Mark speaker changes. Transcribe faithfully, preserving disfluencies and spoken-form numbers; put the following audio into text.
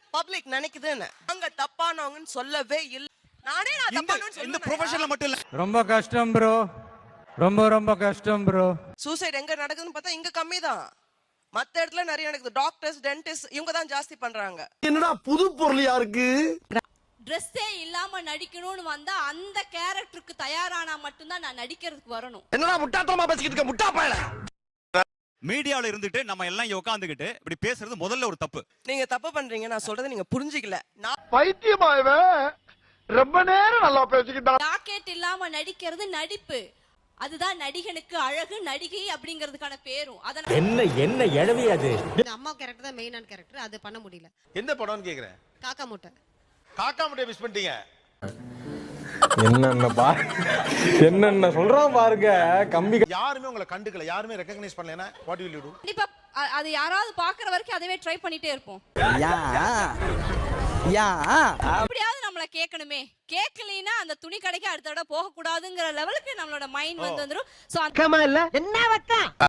Speaker 1: Public நினைக்குதுன்னு. அங்க தப்பானவங்கன்னு சொல்லவே இல்ல. நானே நான் தப்பானவன்னு சொல்றேன்.
Speaker 2: இந்த ப்ரொஃபஷன்ல மட்டும் இல்ல.
Speaker 3: ரொம்ப கஷ்டம் ப்ரோ, ரொம்ப ரொம்ப கஷ்டம் ப்ரோ.
Speaker 1: சூசைட் எங்க நடக்குதுன்னு பார்த்தா இங்க கம்மி தான். மத்த இடத்துல நிறைய நடக்குது. டாக்டர்ஸ், டென்டிஸ்ட் இவங்க தான் ஜாஸ்தி பண்றாங்க.
Speaker 4: என்னடா புது பொருள் யாருக்கு?
Speaker 5: ட்ரெஸ்ஸே இல்லாம நடிக்கணும்னு வந்தா அந்த கேரக்டருக்கு தயாரானா மட்டும்தான் நான் நடிக்கிறதுக்கு வரணும்.
Speaker 4: என்னடா முட்டாத்தனமா பேசிக்கிட்டு இருக்க முட்டா பயல.
Speaker 2: மீடியால இருந்துட்டு நம்ம எல்லாம் இங்க உட்கார்ந்துகிட்டு இப்படி பேசுறது முதல்ல ஒரு தப்பு.
Speaker 1: நீங்க தப்பு பண்றீங்க. நான் சொல்றதை நீங்க புரிஞ்சிக்கல. நான்
Speaker 4: பைத்தியமா இவன் ரொம்ப நேரம் நல்லா பேசிக்கிட்டா.
Speaker 5: ஜாக்கெட் இல்லாம நடிக்கிறது நடிப்பு. அதுதான் நடிகனுக்கு அழகு, நடிகை அப்படிங்கிறதுக்கான பேரும். அதனால
Speaker 6: என்ன என்ன எழவி அது.
Speaker 7: இந்த அம்மா கேரக்டர் தான் மெயினான கேரக்டர். அது பண்ண முடியல.
Speaker 4: எந்த படம்னு கேக்குறேன்.
Speaker 7: காக்கா மூட்டை.
Speaker 4: காக்கா முட்டைய மிஸ் பண்ணிட்டீங்க.
Speaker 6: என்னென்ன பா என்னென்ன சொல்றான் பாருங்க. கம்பி
Speaker 4: யாருமே உங்களை கண்டுக்கல, யாருமே ரெகக்னைஸ் பண்ணலனா வாட் வில் யூ டு?
Speaker 5: கண்டிப்பா அ- அது யாராவது பாக்குற வரைக்கும் அதவே ட்ரை பண்ணிட்டே இருப்போம்.
Speaker 6: யா யா
Speaker 5: எப்படியாவது நம்மள கேட்கணுமே. கேட்கலைன்னா அந்த துணி கடைக்கு அடுத்த தடவை போக கூடாதுங்கிற லெவலுக்கு நம்மளோட மைண்ட் வந்து வந்துரும். சோ
Speaker 6: இல்ல என்ன வக்கா